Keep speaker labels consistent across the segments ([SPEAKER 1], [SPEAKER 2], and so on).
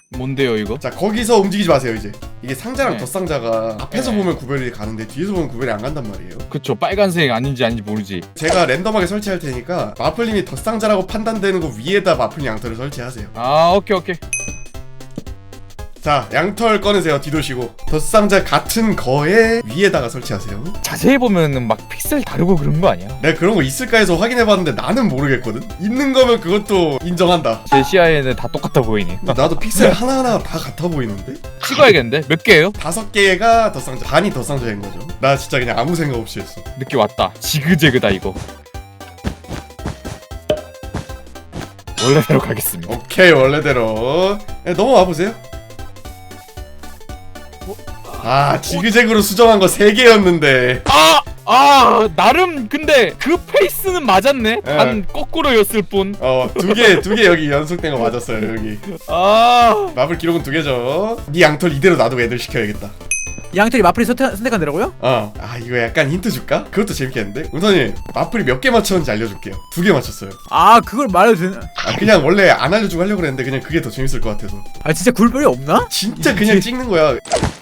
[SPEAKER 1] 뭔데요 이거?
[SPEAKER 2] 자, 거기서 움직이지 마세요. 이제 이게 상자랑
[SPEAKER 1] 네.
[SPEAKER 2] 덧상자가 앞에서
[SPEAKER 1] 네.
[SPEAKER 2] 보면 구별이 가는데 뒤에서 보면 구별이 안 간단 말이에요.
[SPEAKER 1] 그쵸, 빨간색 아닌지 모르지.
[SPEAKER 2] 제가 랜덤하게 설치할 테니까 마플님이 덧상자라고 판단되는 거 위에다 마플 양털을 설치하세요.
[SPEAKER 1] 아, 오케이.
[SPEAKER 2] 자, 양털 꺼내세요. 뒤도시고 덧상자 같은 거에 위에다가 설치하세요.
[SPEAKER 1] 자세히 보면은 막 픽셀 다르고 그런 거 아니야?
[SPEAKER 2] 내가 그런 거 있을까 해서 확인해봤는데 나는 모르겠거든. 있는 거면 그것도 인정한다.
[SPEAKER 1] 제 시야에는 다 똑같아 보이니.
[SPEAKER 2] 나도 픽셀 하나하나 다 같아 보이는데?
[SPEAKER 1] 찍어야겠는데? 몇 개예요?
[SPEAKER 2] 5개가 덧상자, 반이 덧상자인 거죠. 나 진짜 그냥 아무 생각 없이 했어.
[SPEAKER 1] 느낌 왔다. 지그재그다 이거. 원래대로 가겠습니다.
[SPEAKER 2] 오케이, 원래대로. 네, 넘어와 보세요. 아, 지그재그로 수정한 거 3개였는데.
[SPEAKER 1] 나름 근데 그 페이스는 맞았네.
[SPEAKER 2] 예.
[SPEAKER 1] 단 거꾸로였을 뿐.
[SPEAKER 2] 2개 여기 연속된 거 맞았어요. 여기 마블 기록은 2개죠. 네 양털 이대로 놔두고 애들 시켜야겠다.
[SPEAKER 3] 양털이 마플이 선택한 데라고요?
[SPEAKER 2] 이거 약간 힌트 줄까? 그것도 재밌겠는데? 우선이 마플이 몇 개 맞췄는지 알려줄게요. 2개 맞췄어요.
[SPEAKER 3] 그걸 말해도 되나?
[SPEAKER 2] 그냥 원래 안 알려주고 하려고 그랬는데 그냥 그게 더 재밌을 것 같아서.
[SPEAKER 3] 진짜 굴별이 없나?
[SPEAKER 2] 진짜 그냥 찍는 거야.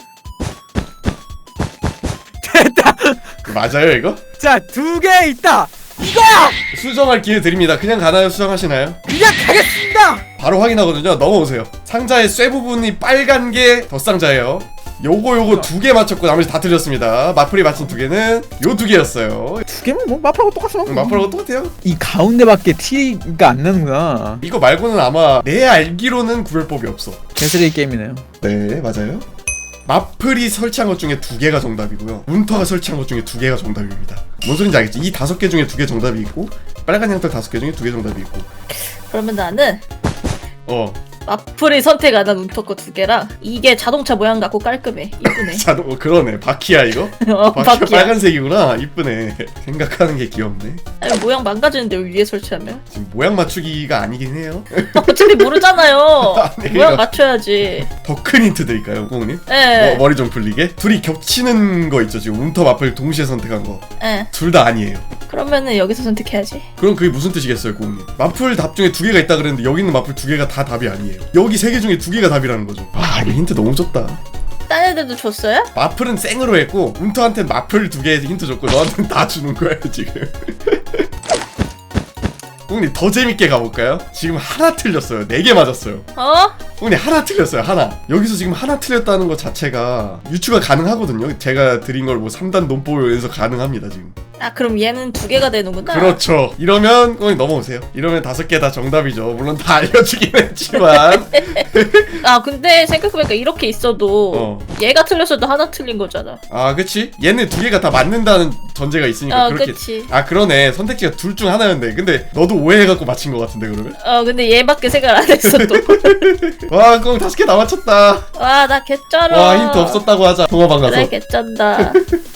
[SPEAKER 3] 됐다!
[SPEAKER 2] 맞아요 이거?
[SPEAKER 3] 자, 2개 있다! 이거야!
[SPEAKER 2] 수정할 기회 드립니다. 그냥 가나요? 수정하시나요?
[SPEAKER 3] 그냥 가겠습니다!
[SPEAKER 2] 바로 확인하거든요. 넘어오세요. 상자의 쇠 부분이 빨간 게 덧상자예요. 요거 2개 맞췄고 나머지 다 틀렸습니다. 마플이 맞힌 2개는 요 2개였어요.
[SPEAKER 3] 2개면 뭐 마플하고 똑같아.
[SPEAKER 2] 마플하고 똑같아요.
[SPEAKER 3] 이 가운데밖에 티가 안 나는구나.
[SPEAKER 2] 이거 말고는 아마 내 알기로는 구별법이 없어.
[SPEAKER 3] 개쓰레기 게임이네요.
[SPEAKER 2] 네, 맞아요. 마플이 설치한 것 중에 2개가 정답이고요. 문터가 설치한 것 중에 2개가 정답입니다. 뭔 소린지 알겠지? 이 5개 중에 2개 정답이 있고 빨간 양털 5개 중에 2개 정답이 있고.
[SPEAKER 4] 그러면 나는
[SPEAKER 2] 어.
[SPEAKER 4] 마플이 선택 안 한 운터거 2개랑 이게 자동차 모양 같고 깔끔해. 이쁘네.
[SPEAKER 2] 그러네. 바퀴야 이거? 바퀴가
[SPEAKER 4] 바퀴야.
[SPEAKER 2] 빨간색이구나. 이쁘네. 생각하는 게 귀엽네.
[SPEAKER 4] 아니, 모양 망가지는데 왜 위에 설치하면?
[SPEAKER 2] 지금 모양 맞추기가 아니긴 해요.
[SPEAKER 4] 어차피 모르잖아요.
[SPEAKER 2] 네,
[SPEAKER 4] 모양 맞춰야지.
[SPEAKER 2] 더 큰 힌트 드릴까요, 꽁님?
[SPEAKER 4] 예.
[SPEAKER 2] 머리 좀 풀리게. 둘이 겹치는 거 있죠. 지금 운터 마플 동시에 선택한 거.
[SPEAKER 4] 예.
[SPEAKER 2] 둘 다 아니에요.
[SPEAKER 4] 그러면은 여기서 선택해야지.
[SPEAKER 2] 그럼 그게 무슨 뜻이겠어요, 꽁님? 마플 답 중에 2개가 있다 그랬는데 여기 있는 마플 2개가 다 답이 아니에요. 여기 3개 중에 2개가 답이라는 거죠. 이거 힌트 너무 줬다.
[SPEAKER 4] 딴 애들도 줬어요?
[SPEAKER 2] 마플은 생으로 했고 운터한테는 마플 2개에서 힌트 줬고 너한테는 다 주는 거야 지금. 꽁님 더 재밌게 가볼까요? 지금 하나 틀렸어요. 4개 맞았어요. 꽁님 하나 틀렸어요. 하나. 여기서 지금 하나 틀렸다는 것 자체가 유추가 가능하거든요. 제가 드린 걸 뭐 3단 논법에서 가능합니다 지금.
[SPEAKER 4] 그럼 얘는 2개가 되는구나.
[SPEAKER 2] 그렇죠. 이러면 꽁님 넘어오세요. 이러면 5개 다 정답이죠. 물론 다 알려주긴 했지만.
[SPEAKER 4] 근데 생각해보니까 이렇게 있어도 얘가 틀렸어도 하나 틀린 거잖아.
[SPEAKER 2] 그치? 얘네 2개가 다 맞는다는 전제가 있으니까 그렇게.
[SPEAKER 4] 그치.
[SPEAKER 2] 그러네. 선택지가 둘 중 하나였네. 근데 너도 오해해갖고 맞힌 것 같은데 그러면?
[SPEAKER 4] 근데 얘밖에 생각 안 했어 또.
[SPEAKER 2] 와, 꽁 5개 다 맞췄다.
[SPEAKER 4] 와, 나 개쩔어.
[SPEAKER 2] 와, 힌트 없었다고 하자. 통화방 가서.
[SPEAKER 4] 그래, 개쩐다.